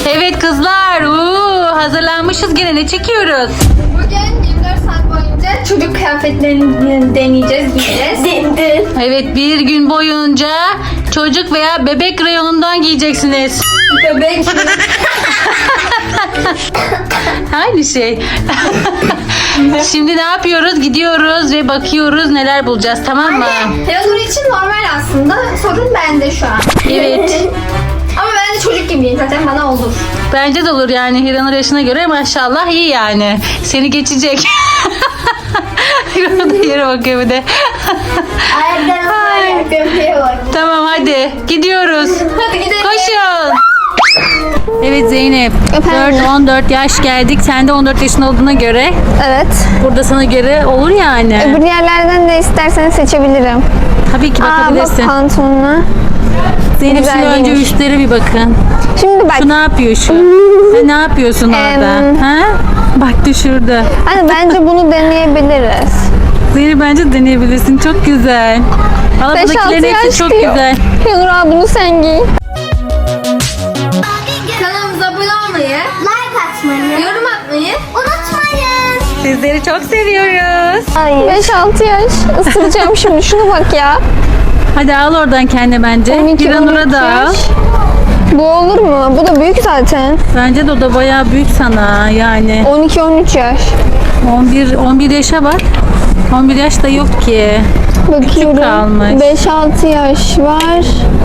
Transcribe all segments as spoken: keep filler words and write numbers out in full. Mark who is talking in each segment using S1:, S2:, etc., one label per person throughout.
S1: Evet kızlar, uuu, hazırlanmışız gene, ne çekiyoruz?
S2: Bugün yirmi dört saat boyunca çocuk kıyafetlerini deneyeceğiz, giyeceğiz.
S1: Evet, bir gün boyunca çocuk veya bebek reyonundan giyeceksiniz.
S2: Bebek.
S1: Aynı şey. Şimdi ne yapıyoruz? Gidiyoruz ve bakıyoruz neler bulacağız, tamam mı?
S2: Yanur için normal aslında. Sorun bende şu an.
S1: Evet.
S2: Ama ben de çocuk gibiyim zaten, bana olur.
S1: Bence de olur yani, Hiranur yaşına göre maşallah iyi yani. Seni geçecek. Hiranur da yere bakıyor bir de.
S2: Ay. Göbeğe bak.
S1: Tamam hadi gidiyoruz.
S2: Hadi gidelim.
S1: Koşun. Evet Zeynep,
S2: Efendim?
S1: dört on dört yaş geldik. Sen de on dört yaşında olduğuna göre
S2: Evet.
S1: burada sana göre olur yani.
S2: Öbür yerlerden de istersen seçebilirim.
S1: Tabii ki bakabilirsin.
S2: Aa, bak pantolonuna.
S1: Zeynep
S2: güzel
S1: şimdi önce
S2: değilmiş.
S1: üstlere bir bakın.
S2: Şimdi bak.
S1: Şu ne yapıyor şu? Ha, ne yapıyorsun orada?
S2: Em.
S1: Ha? Bak düşürdü.
S2: Hani bence bunu deneyebiliriz.
S1: Zeynep bence deneyebilirsin. Çok güzel. Valla
S2: beş altı
S1: buradakilerin hepsi
S2: yaş
S1: çok
S2: diyor.
S1: güzel.
S2: Yanur abi bunu sen giy. Kanalımıza abone olmayı,
S3: Like atmayı
S2: yorum atmayı.
S3: unutmayın.
S1: Sizleri çok seviyoruz.
S2: beş altı yaş. Isıracağım şimdi, şuna bak ya.
S1: Hadi al oradan kendine bence.
S2: on iki,
S1: Hiranur'a
S2: on üç
S1: da al.
S2: yaş. Bu olur mu? Bu da büyük zaten.
S1: Bence de o da bayağı büyük sana yani.
S2: on iki on üç yaş.
S1: on bir on bir yaşa bak. on bir yaş da yok ki.
S2: Bakıyorum.
S1: kalmış.
S2: beş altı yaş var.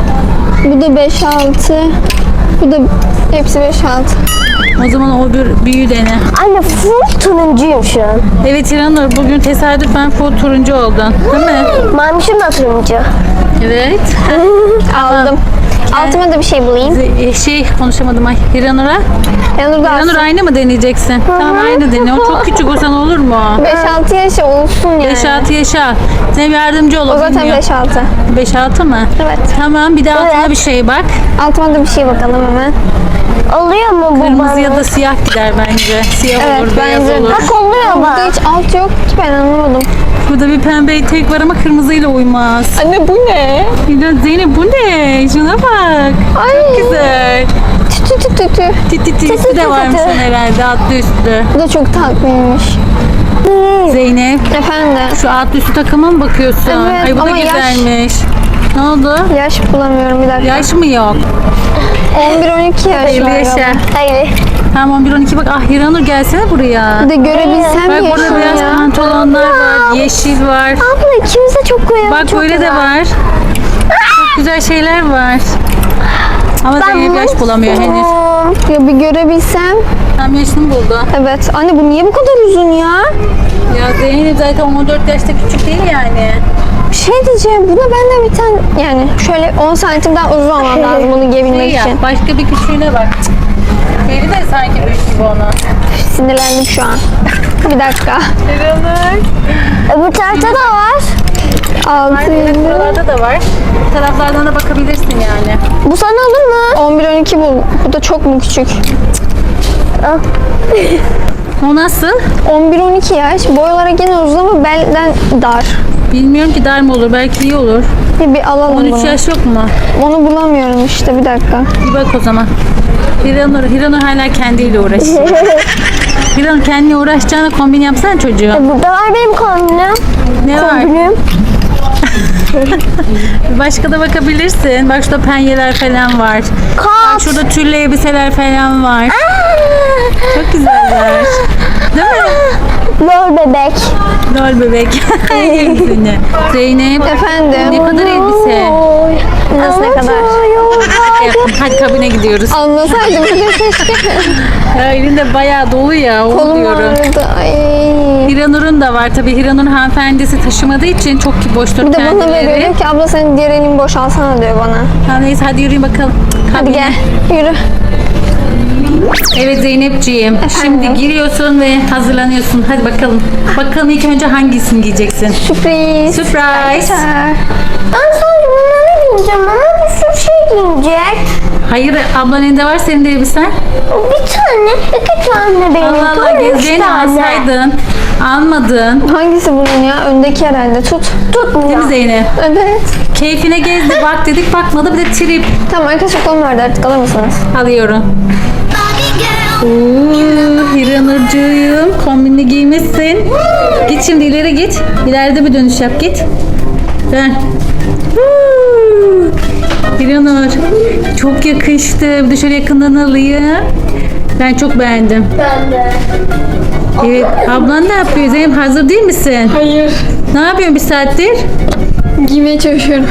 S2: Bu da beş altı. Bu da hepsi beş altı.
S1: O zaman o bir büyüğü dene.
S3: Anne full turuncuyum şu an.
S1: Evet Hiranur, bugün tesadüfen full turuncu oldun. Değil mi?
S3: Mamişim de turuncu.
S1: Evet.
S2: Aldım. Altıma da bir şey bulayım.
S1: Z- Şey konuşamadım ay. Hiranur'a.
S2: Yanur da
S1: Hiranur
S2: alsın.
S1: aynı mı deneyeceksin? Tamam aynı dene. O çok küçük, o sana olur mu?
S2: beş altı yaş olsun yani.
S1: beş altı yaşa. Sen yardımcı ol.
S2: O zaten
S1: bilmiyor.
S2: beş altı.
S1: beş altı mı?
S2: Evet.
S1: Tamam, bir de altına
S3: Evet.
S1: bir şey bak.
S2: Altıma da bir şey bakalım hemen.
S3: Oluyor mu bu
S1: Kırmızı
S3: bana?
S1: ya da siyah gider bence. Siyah
S2: Evet,
S1: olur, beyaz
S2: bence de.
S1: olur.
S3: Bak oluyor
S2: Burada
S3: bak.
S2: hiç alt yok ki, ben anlamadım.
S1: Burada bir pembe etek var ama kırmızıyla uymaz.
S2: Anne bu ne?
S1: Hilal, Zeynep bu ne? Şuna bak.
S2: Ay.
S1: Güzel.
S2: Tütü tütü tütü.
S1: Titi titi de varmış
S3: tü.
S1: herhalde, altlı üstlü.
S2: Bu da çok tatlıymış.
S1: Zeynep,
S2: Efendim.
S1: şu altlı üstü takıma mı bakıyorsun?
S2: Evet,
S1: Ay bu da
S2: ama yaş-
S1: güzelmiş. Ne oldu?
S2: Yaş bulamıyorum, bir dakika.
S1: Yaş mı yok?
S2: on bir on iki yaş
S1: elli
S2: var.
S1: yaşa.
S2: ya.
S3: Hayır.
S1: Tamam, on bir on iki bak. Ah Hiranur gelsene buraya.
S2: Bir de görebilsem
S1: Bak burada
S2: yaşını
S1: beyaz
S2: ya.
S1: pantolonlar var, yeşil var.
S3: Abla ikimiz de çok koyalım.
S1: Bak
S3: çok
S1: böyle de
S3: güzel.
S1: var. Çok güzel şeyler var. Ama Zeynep yaş bulamıyor henüz.
S2: Ya bir görebilsem.
S1: Tam yaşını buldu.
S2: Evet. Anne bu niye bu kadar uzun ya?
S1: Ya Zeynep zaten on dört yaşta küçük değil yani.
S2: Bir şey diyeceğim. Buna ben de bir tane, yani şöyle on santim daha uzun olmam lazım bunu
S1: Şey
S2: giyebilmek
S1: yap,
S2: için.
S1: başka bir küçüğüne bak. Biri de sanki büyük gibi ona.
S2: Sinirlendim şu an. Bir dakika.
S1: Hiranur.
S3: Öbür tarafta da var.
S2: altı
S1: Evet, buralarda da var. Bu taraflardan da bakabilirsin yani.
S3: Bu sana olur mu?
S2: on bir on iki bu. Bu da çok mu küçük?
S1: O nasıl?
S2: on bir on iki yaş. Boy olarak yine uzun ama belden dar.
S1: Bilmiyorum ki, dar mı olur, belki iyi olur.
S2: Bir, bir alalım
S1: on üç
S2: bunu.
S1: yaş yok mu?
S2: Onu bulamıyorum işte, bir dakika.
S1: Bir bak o zaman. Hiranur, Hiranur hala kendiyle uğraşıyor. Hiranur kendine uğraşacağına kombin yapsana çocuğu.
S3: Burada var benim kombinim.
S1: Ne var?
S3: Kombinim.
S1: Başka da bakabilirsin. Bak şurada penyeler falan var. Bak
S3: Kot.
S1: şurada tüllü elbiseler falan var. Çok güzeller. Değil mi?
S3: Lol bebek.
S1: Lol bebek. Elbiseni. Zeynep.
S2: Efendim.
S1: Ne kadar elbise?
S2: Nasıl, ne kadar?
S1: Yaptım. Hadi kabine gidiyoruz.
S2: Anlasaydım bir de keşke.
S1: Ya elinde bayağı dolu ya. Onu
S2: Kolum
S1: diyorum.
S2: ağrıdı. Ay.
S1: Hiranur'un da var. Tabii Hiranur hanımefendisi taşımadığı için çok ki boştur
S2: Bir de bana
S1: kendileri.
S2: veriyor ki abla senin diğer elini boşalsana diyor bana.
S1: Ha, neyse hadi yürüyün bakalım.
S2: Hadi
S1: Kabine.
S2: gel yürü.
S1: Evet Zeynepciğim. Şimdi giriyorsun ve hazırlanıyorsun. Hadi bakalım. Bakalım ilk önce hangisini giyeceksin?
S2: Sürpriz.
S1: Surprise.
S3: Ben sonra bunları giyeceğim ama bir sürü şey giyecek.
S1: Hayır, ablanın elinde var, senin de elbisen.
S3: Bir tane, iki tane benim.
S1: Allah Allah,
S3: Sonra üç
S1: gezeceğini
S3: tane.
S1: alsaydın. Almadın.
S2: Hangisi bunun ya? Öndeki herhalde. Tut.
S3: Tut
S1: Değil mi Zeynep?
S2: Evet.
S1: Keyfine gezdi, bak dedik bakmadı, bir de trip
S2: Tamam, arkadaşlar kolum vardı, artık alır mısınız?
S1: alıyorum. Oo, Hiranurcuğum kombinini giymişsin. Git şimdi ileri git. İleride bir dönüş yap git. Dön. Huu. Hiranur çok yakıştı. Bir de şöyle yakından alayım. Ben çok beğendim.
S3: Ben de.
S1: Evet, ablan ne yapıyor? Zeynep hazır değil misin?
S2: Hayır.
S1: Ne yapıyorsun bir saattir?
S2: Giymeye çalışıyorum.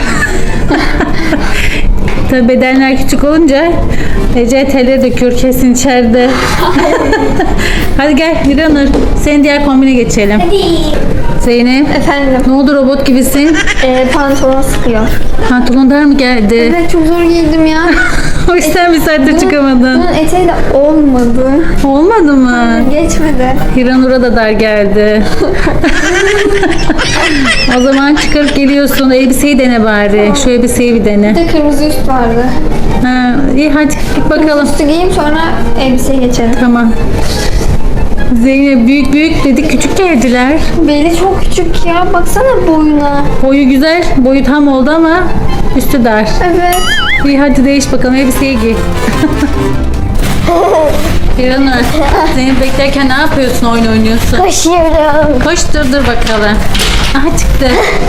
S1: Tabii bedenler küçük olunca Ece teleri döküyor kesin içeride. Hadi gel Hiranur. Senin diğer kombine geçelim. Zeynep.
S2: Efendim.
S1: Ne oldu robot gibisin?
S2: Ee, pantolon sıkıyor.
S1: Pantolon dar mı geldi?
S2: Evet çok zor giydim ya.
S1: O yüzden bir saattir çıkamadın.
S2: Bunun eteği de olmadı.
S1: Olmadı mı?
S2: Geçmedi.
S1: Hiranur'a da dar geldi. O zaman çıkarıp geliyorsun. Elbiseyi dene bari. Şu elbiseyi bir dene.
S2: Bir de kırmızı üst vardı.
S1: Ha, iyi hadi git bakalım.
S2: Üstü giyeyim sonra elbiseye geçelim.
S1: Tamam. Zeynep büyük büyük dedik küçük geldiler.
S2: Beli çok küçük ya. Baksana boyuna.
S1: Boyu güzel. Boyu tam oldu ama üstü dar.
S2: Evet.
S1: İyi hadi değiş bakalım elbiseyi giy. Hiranur, Zeynep beklerken ne yapıyorsun? Oyun oynuyorsun.
S3: Koşuyorum.
S1: Koş dur dur bakalım. Aha çıktı.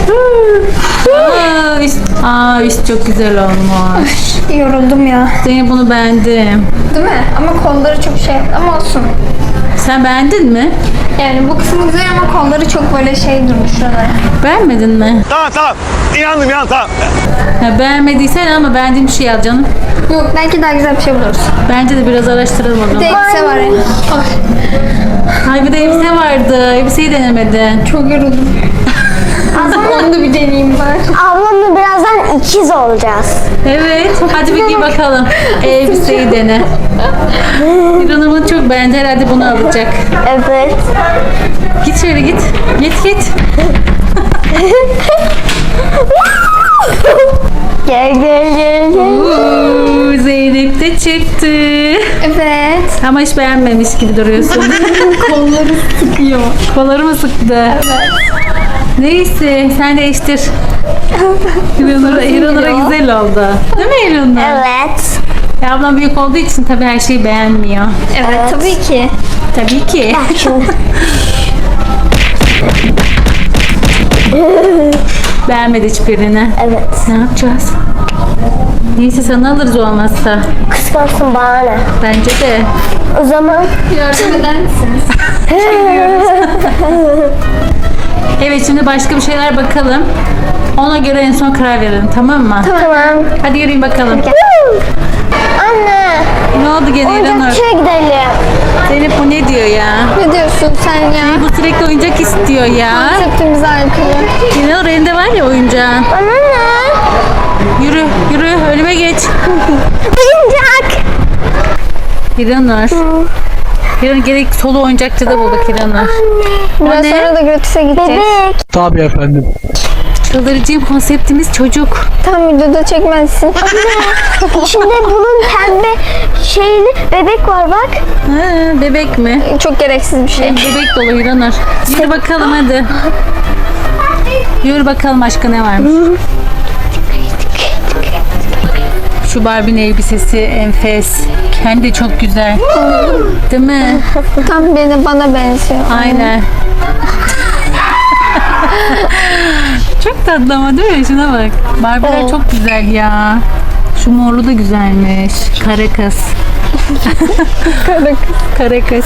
S1: Aa üst, aa, üst çok güzel olmuş.
S2: Yoruldum ya.
S1: Zeynep bunu beğendim.
S2: Değil mi? Ama kolları çok şey ama olsun.
S1: Sen beğendin mi?
S2: Yani bu kısmı güzel ama kolları çok böyle şey durmuş şuralara.
S1: Beğenmedin mi?
S4: Tamam tamam. İnandım ya tamam.
S1: Ha, beğenmediysen ama beğendiğim bir şey al canım.
S2: Yok belki daha güzel bir şey buluruz.
S1: Bence de biraz araştıralım o
S2: Bir de
S1: zaman.
S2: elbise var ya. Ay,
S1: Ay bir de elbise vardı. Elbiseyi denemedin.
S2: çok yoruldum. Onu da bir deneyeyim bari.
S3: Ablamla birazdan ikiz olacağız.
S1: Evet. Hadi bir giy bakalım. Elbiseyi dene. İran'ı bunu çok beğendi. Herhalde bunu alacak.
S3: Evet.
S1: Git şöyle git. Git git.
S3: Gel gel gel gel.
S1: Uuu, Zeynep de çıktı.
S2: Evet.
S1: Ama hiç beğenmemiş gibi duruyorsun.
S2: Kolları sıkıyor.
S1: Kolları mı sıktı? Evet. Neyse sen değiştir. İran'a İran'a güzel oldu. Değil mi İran'a?
S3: Evet.
S1: Ya ablam büyük olduğu için tabii her şeyi beğenmiyor.
S2: Evet, tabii ki.
S1: Tabii ki.
S3: Şimdi
S1: Beğenmedi hiçbirini.
S3: evet.
S1: Ne yapacağız? Neyse sana alırız olmazsa.
S3: Kıskansın bana ne?
S1: Bence de.
S3: O zaman
S2: Yardım eder misiniz?
S1: Evet şimdi başka bir şeyler bakalım. Ona göre en son karar verelim tamam mı?
S3: tamam.
S1: Hadi yürüyün bakalım.
S3: Anne.
S1: Ne oldu gene İranur?
S3: Oyuncakçıya gidelim.
S1: Zeynep bu ne diyor ya?
S2: Ne diyorsun sen ya?
S1: Bu sürekli oyuncak istiyor ya.
S2: Konseptimize aykırı.
S1: İranur elinde var ya oyuncağın.
S3: Bana ne?
S1: Yürü yürü önüme geç.
S3: Oyuncak.
S1: İranur. İranur gerek solu oyuncakçıda bulduk İranur.
S2: Biraz
S1: ne?
S2: sonra da gratis'e gideceğiz.
S3: Bebek.
S4: Tabii efendim.
S1: Çıldırıcıyım konseptimiz çocuk.
S2: Tam videoda çekmezsin.
S3: İçinde bunun pembe şeyli bebek var bak.
S1: Ha, bebek mi?
S2: Çok gereksiz bir şey.
S1: Bebek dolu İranur. Yürü bakalım hadi. Yürü bakalım başka ne varmış. Şu Barbie'nin elbisesi enfes. Kendi çok güzel. Değil mi?
S2: Tam beni bana benziyor.
S1: Aynen. Çok tatlı ama değil mi? Şuna bak. Barbie'ler
S2: Evet.
S1: çok güzel ya. Şu morlu da güzelmiş. Kara kız.
S2: Kara kız.
S1: Kara kız.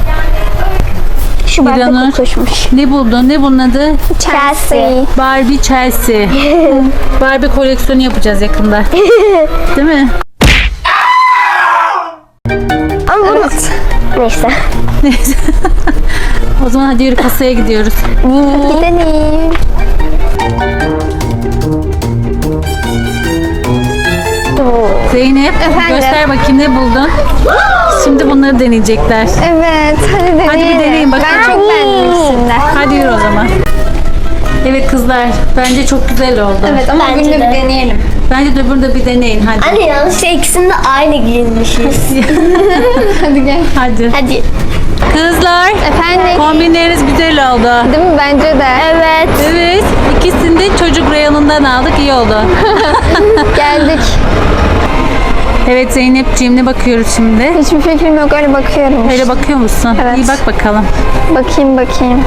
S3: Şu
S1: İranur.
S3: bardak kokuşmuş.
S1: Ne buldun? Ne bunun adı?
S2: Chelsea.
S1: Barbie Chelsea. Barbie koleksiyonu yapacağız yakında. Değil mi?
S3: Ama bunu... Neyse.
S1: Neyse. O zaman hadi yürü kasaya gidiyoruz.
S2: Gidelim.
S1: Zeynep
S2: Efendim?
S1: göster bakayım ne buldun? Şimdi bunları deneyecekler.
S2: Evet, hadi deneyelim.
S1: Hadi bir deneyin bakalım.
S2: Ben çok beğendim ikisini de.
S1: Hadi yürü o zaman. Evet kızlar bence çok güzel oldu.
S2: Evet ama
S3: Bence
S2: bugün de
S3: de.
S2: bir deneyelim.
S1: Bence de burada bir deneyin hadi.
S3: Anne yanlışlıkla ikisini de aynı giyinmişiz.
S2: Hadi gel.
S1: Hadi.
S3: Hadi.
S1: Kızlar
S2: Efendim?
S1: kombinleriniz güzel oldu.
S2: Değil mi? Bence de.
S3: Evet.
S1: Evet ikisini de çocuk reyonundan aldık iyi oldu.
S2: Geldik.
S1: Evet Zeynepciğim, ne bakıyoruz şimdi?
S2: Hiçbir fikrim yok, öyle bakıyorum.
S1: Öyle bakıyor musun?
S2: Evet.
S1: İyi bak bakalım.
S2: Bakayım bakayım.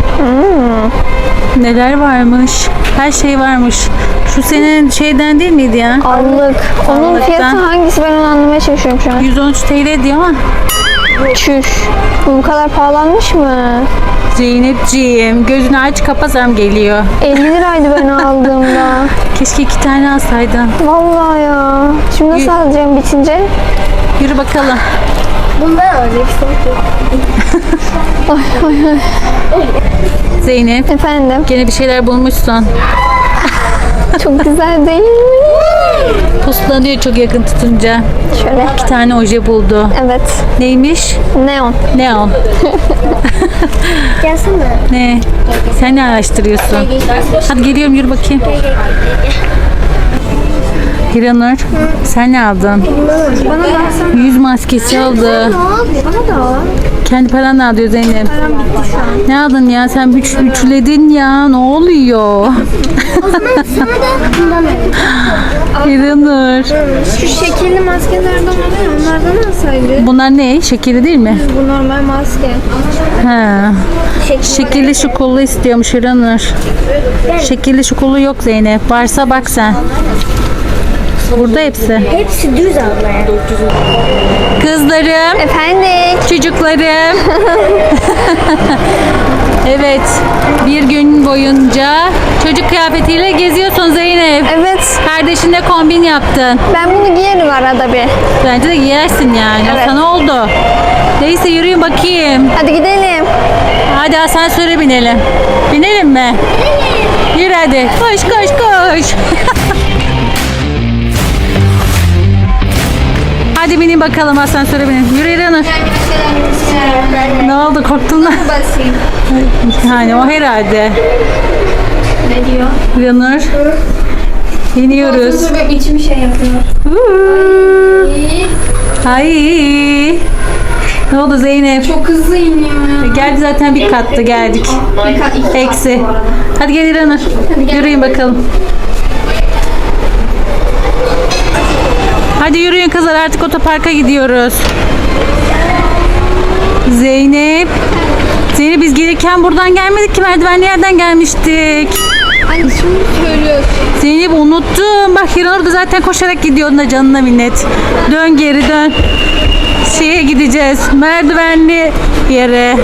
S2: Hmm.
S1: Neler varmış? Her şey varmış. Şu senin şeyden değil miydi ya?
S2: Allık. Onun
S1: Allıktan.
S2: fiyatı hangisi, ben onu anlamaya çalışıyorum şu an.
S1: yüz on üç T L diyor ama.
S2: Çüş. Bu bu kadar pahalanmış mı?
S1: Zeynepciğim, gözünü aç kapa, zam geliyor.
S2: elli liraydı ben aldığımda.
S1: Keşke iki tane alsaydın.
S2: Vallahi ya. Şimdi nasıl
S1: Yürü.
S2: alacağım bitince?
S1: Yürü bakalım.
S3: Bundan alacaksın.
S2: Ay ay ay.
S1: Zeynep,
S2: Efendim.
S1: gene bir şeyler bulmuşsun.
S2: Çok güzel değil mi?
S1: Puslanıyor çok yakın tutunca.
S2: Şöyle.
S1: Bir tane oje buldu.
S2: Evet.
S1: Neymiş?
S2: Neon.
S1: Neon.
S3: Gelsene.
S1: Ne? Sen ne araştırıyorsun? Hadi geliyorum, yürü bakayım. Hiranur, sen ne aldın?
S2: Bana da.
S1: Yüz maskesi aldı.
S2: Bana da.
S1: Kendi paranla alıyor Zeynep. Ne aldın ya? Sen üç, üçledin ya. Ne oluyor?
S3: Sana da bundan
S1: Hiranur.
S2: Şu şekilli maskelerden oluyor. Onlardan alsaydı.
S1: Bunlar ne? Şekeri değil mi?
S2: Bu normal maske.
S1: Ha. Şekilli şokollu istiyormuş Hiranur. Şekilli şokollu yok Zeynep. Varsa bak sen. Burada hepsi.
S3: hepsi düz abla.
S1: Kızlarım,
S2: Efendim.
S1: çocuklarım. Evet, bir gün boyunca çocuk kıyafetiyle geziyorsun Zeynep.
S2: Evet.
S1: Kardeşinle kombin yaptın.
S2: Ben bunu giyerim arada bir.
S1: Bence de giyersin yani.
S2: Evet.
S1: O sana oldu. Neyse yürüyün bakayım.
S2: Hadi gidelim.
S1: Hadi asansöre binelim. Binelim mi? Yürü hadi. Koş koş koş. Hadi binin bakalım, asansöre binin. Yürü İranur. Ne oldu, korktun mu?
S2: Basayım.
S1: Yani o herhalde.
S2: Ne diyor?
S1: İranur. İniyoruz.
S2: Benim içim şey yapıyor.
S1: Huu. Ay. Ne oldu Zeynep?
S2: Çok hızlı iniyor ya.
S1: Geldi zaten, bir kattı geldik. Eksi. Hadi gel İranur. Yürüyün bakalım. Hadi yürüyün kızlar, artık otoparka gidiyoruz. Zeynep. Zeynep, biz gelirken buradan gelmedik ki, merdivenli yerden gelmiştik.
S2: Ay şimdi söylüyorsun.
S1: Zeynep unuttum. Bak Hiranur da zaten koşarak gidiyor, da canına minnet. Dön geri dön. Şeye gideceğiz. Merdivenli yere.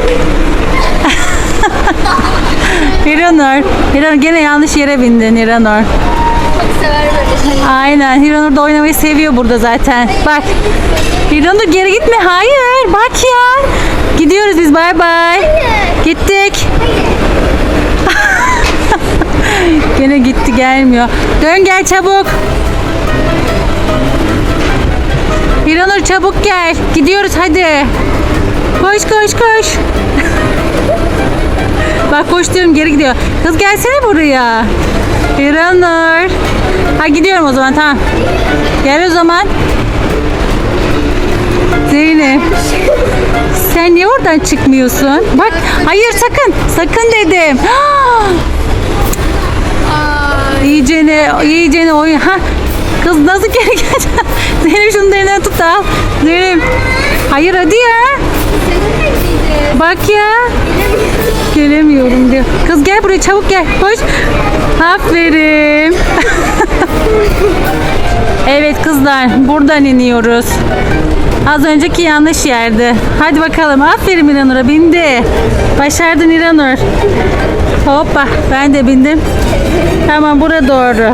S1: Hiranur. Hiranur gene yanlış yere bindin Hiranur.
S2: Çok sever böyle şey.
S1: Aynen. Hiranur da oynamayı seviyor burada zaten. Bak. Hiranur geri gitme. Hayır. Bak ya. Gidiyoruz biz. Bay bay. Gittik. Gene gitti, gelmiyor. Dön gel çabuk. Hiranur çabuk gel. Gidiyoruz hadi. Koş koş koş. Bak koş diyorum, geri gidiyor. Kız gelsene buraya. Hiranur. Ha gidiyorum o zaman, tamam. Gel o zaman. Zeynep. Sen niye oradan çıkmıyorsun? Bak hayır, sakın. Sakın dedim. İyicene, iyicene oyun. Ha. Kız nasıl geri geleceksin? Zeynep şunu da elinden tut da al. Zeynep. Hayır hadi ya. Bak ya. Gelemiyorum diyor. Kız gel buraya, çabuk gel. Koş. Aferin. Evet kızlar, buradan iniyoruz. Az önceki yanlış yerdi. Hadi bakalım. Aferin İranur'a, bindi. Başardın İranur. Hoppa, ben de bindim. Tamam, bura doğru.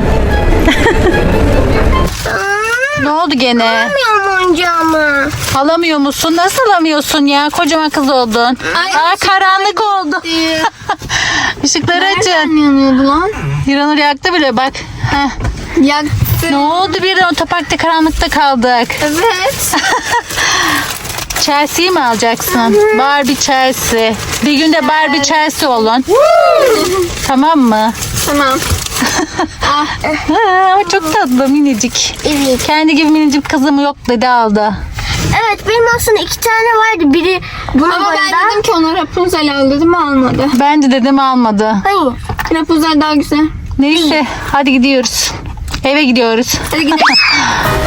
S1: Ne oldu gene?
S3: Alamıyorum oyuncağımı.
S1: Alamıyor musun? Nasıl alamıyorsun ya? Kocaman kız oldun. Aa, karanlık oldu. Işıkları açın.
S2: yanıyordu lan?
S1: İranur yaktı bile bak. Heh.
S2: Yaktı.
S1: Ne oldu, birden otoparkta karanlıkta kaldık.
S2: Evet.
S1: Chelsea'yi mi alacaksın? Barbie Chelsea. Bir günde Barbie Chelsea olun. Tamam mı?
S2: Tamam.
S1: Ha, ama çok tatlı, minicik.
S3: Evet.
S1: Kendi gibi minicik kızım yok dedi, aldı.
S3: Evet, benim aslında iki tane vardı. Biri buna
S2: Ama
S3: boyda.
S2: ben dedim ki ona Rapunzel al dedim, almadı.
S1: Bence dedim, almadı.
S3: Hayır.
S2: Rapunzel daha güzel.
S1: Neyse hadi gidiyoruz. Eve gidiyoruz.
S2: Hadi gidelim.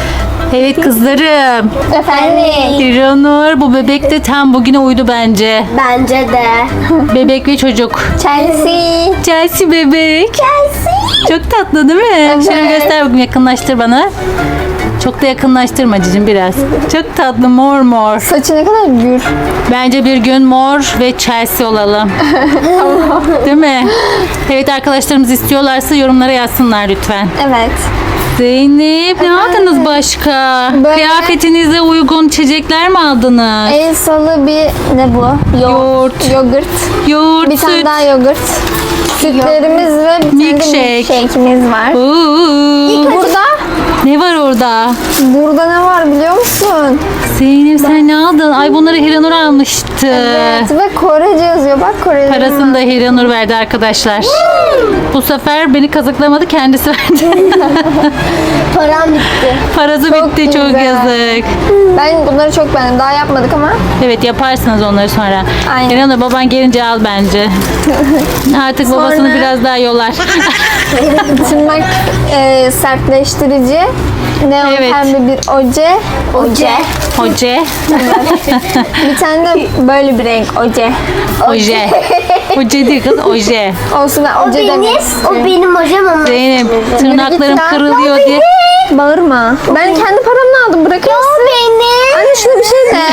S1: Evet kızlarım.
S2: Efendim.
S1: İranur bu bebek de tam bugüne uydu bence.
S3: Bence de.
S1: Bebek ve çocuk.
S2: Chelsea.
S1: Chelsea bebek.
S3: Gelsin.
S1: Çok tatlı değil mi?
S2: Evet.
S1: Şöyle göster bakayım, yakınlaştır bana. Çok da yakınlaştırma cicim biraz. Çok tatlı, mor mor.
S2: Saçı ne kadar gür.
S1: Bence bir gün mor ve Chelsea olalım. Değil mi? Evet, arkadaşlarımız istiyorlarsa yorumlara yazsınlar lütfen.
S2: Evet.
S1: Zeynep, ne aldınız başka?
S2: Böyle-
S1: Kıyafetinize uygun içecekler mi aldınız?
S2: Elsalı bir ne bu?
S1: Yoğurt.
S2: Yogurt.
S1: Yoğurt,
S2: Bir tane
S1: süt.
S2: daha yogurt. Sütlerimiz ve bir tane de
S1: Milkshake.
S2: milkshake'imiz var.
S1: Oo.
S2: Burada
S1: Ne var orada?
S2: burada ne var biliyor musun?
S1: Zeynep sen ne aldın? Ay bunları Hiranur almıştı.
S2: Evet ve Korece yazıyor. Bak Korece.
S1: Parasını da Hiranur verdi arkadaşlar. Bu sefer beni kazıklamadı, kendisi verdi.
S3: Param bitti.
S1: Parası bitti, çok
S2: güzel.
S1: yazık.
S2: Ben bunları çok beğendim. Daha yapmadık ama.
S1: Evet, yaparsınız onları sonra.
S2: Aynen.
S1: Hiranur, baban gelince al bence. Artık babasını
S2: Sonra-
S1: biraz daha yolar.
S2: Tırnak e, sertleştirici. Neon
S1: Evet.
S2: pembe bir oje. Oje.
S1: Hoca.
S2: Bir tane de böyle bir renk oje.
S1: Oje. Hoca değil kız, oje.
S2: Olsun da
S3: O
S2: oje
S3: benim,
S2: demek
S3: o
S2: istiyorum.
S3: benim hocam ama.
S1: Zeynep, tırnaklarım
S2: git lan.
S1: kırılıyor diye.
S2: Bağırma. Ben kendi paramla aldım. Bırakır mısın?
S3: Benim.
S2: Anne şuna bir şey de.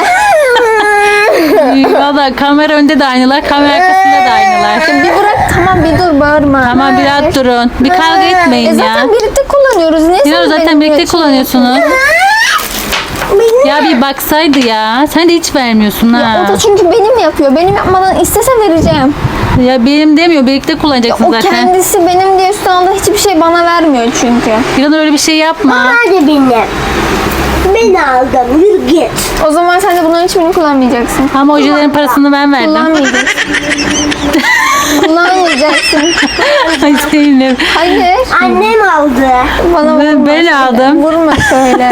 S1: Valla kamera önde de aynılar, kamera arkasında da aynılar.
S2: Bir bırak tamam bir dur bağırma.
S1: Tamam, bir rahat durun. Bir kavga
S2: E
S1: etmeyin ya.
S2: zaten birlikte kullanıyoruz. Niye
S1: Hiranur,
S2: sen
S1: zaten
S2: benim
S1: birlikte
S2: için
S1: kullanıyorsunuz.
S3: Benim.
S1: Ya bir baksaydı ya. Sen de hiç vermiyorsun ha.
S2: O da çünkü benim yapıyor. Benim yapmadan istese vereceğim.
S1: Ya benim demiyor, birlikte kullanacaksın
S2: O
S1: zaten.
S2: kendisi benim diye üstüne aldığı hiçbir şey bana vermiyor çünkü.
S1: Hiranur, öyle bir şey yapma.
S3: Nerede benim? Ben aldım. Yürü git.
S2: O zaman sen de bunların hiçbirini kullanmayacaksın.
S1: Ama ojelerin parasını ben verdim.
S2: Kullanmayacaksın. Kullanmayacaksın.
S1: Ay Zeynep.
S2: Hayır.
S3: Annem aldı.
S2: Bana
S1: Ben-
S2: vurma.
S1: ben
S2: şöyle.
S1: aldım.
S2: Vurma şöyle.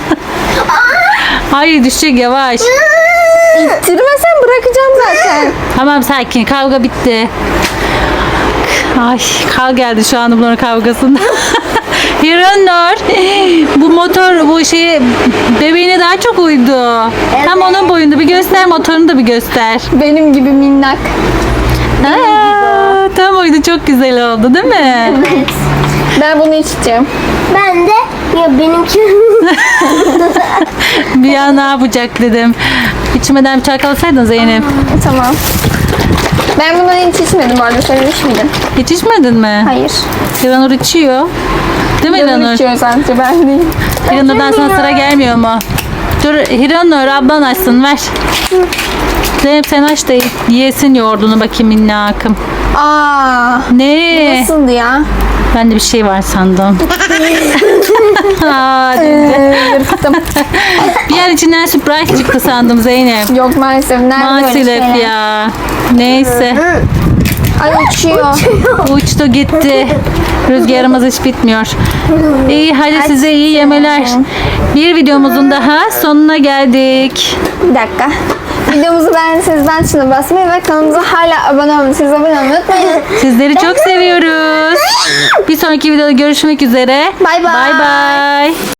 S1: Hayır, düşecek, yavaş.
S2: İttirmesen bırakacağım zaten.
S1: Tamam, sakin, kavga bitti. Ay, kal geldi şu anda bunların kavgasında. Hiranur, bu motor bu şeyi bebeğine daha çok uydu. Tam onun boyunda, bir göster, motorunu da bir göster.
S2: Benim gibi minnak.
S1: Aa, tam uydu, çok güzel oldu değil mi?
S3: Evet.
S2: Ben bunu içeceğim.
S3: Ben de ya benimki.
S1: Bir an ne yapacak dedim. İçmeden bir çalkalasaydın Zeynep.
S2: Tamam. Ben bundan hiç içmedim bu arada. Sen içmiş miydin?
S1: Hiç içmedin mi?
S2: Hayır.
S1: Hiranur içiyor. Değil mi
S2: Yanır
S1: Hiranur?
S2: içiyor sadece ben değil.
S1: Hiranur'dan sana sıra gelmiyor mu? Dur Hiranur, ablan açsın, ver. Zeynep sen aç da yesin yoğurdunu bakayım minnakım.
S2: Aa,
S1: Ne?
S2: nasıldı ya?
S1: Ben de bir şey var sandım. Aa, dedi.
S2: Ee, yırttım.
S1: Bir an içinden surprise çıktı sandım Zeynep.
S2: Yok maalesef. Nerede öyle
S1: Maalesef
S2: şeyler?
S1: ya. Neyse.
S2: Ay uçuyor.
S1: Uçtu gitti. Rüzgarımız hiç bitmiyor. İyi, hadi size iyi yemeler. Bir videomuzun daha sonuna geldik.
S2: Bir dakika. Videomuzu beğendiyseniz ben tuşuna basmayı ve kanalımıza hala abone olmayı, abone olmayı unutmayın.
S1: Sizleri çok seviyoruz. Bir sonraki videoda görüşmek üzere.
S2: Bay bay.
S1: Bay bay.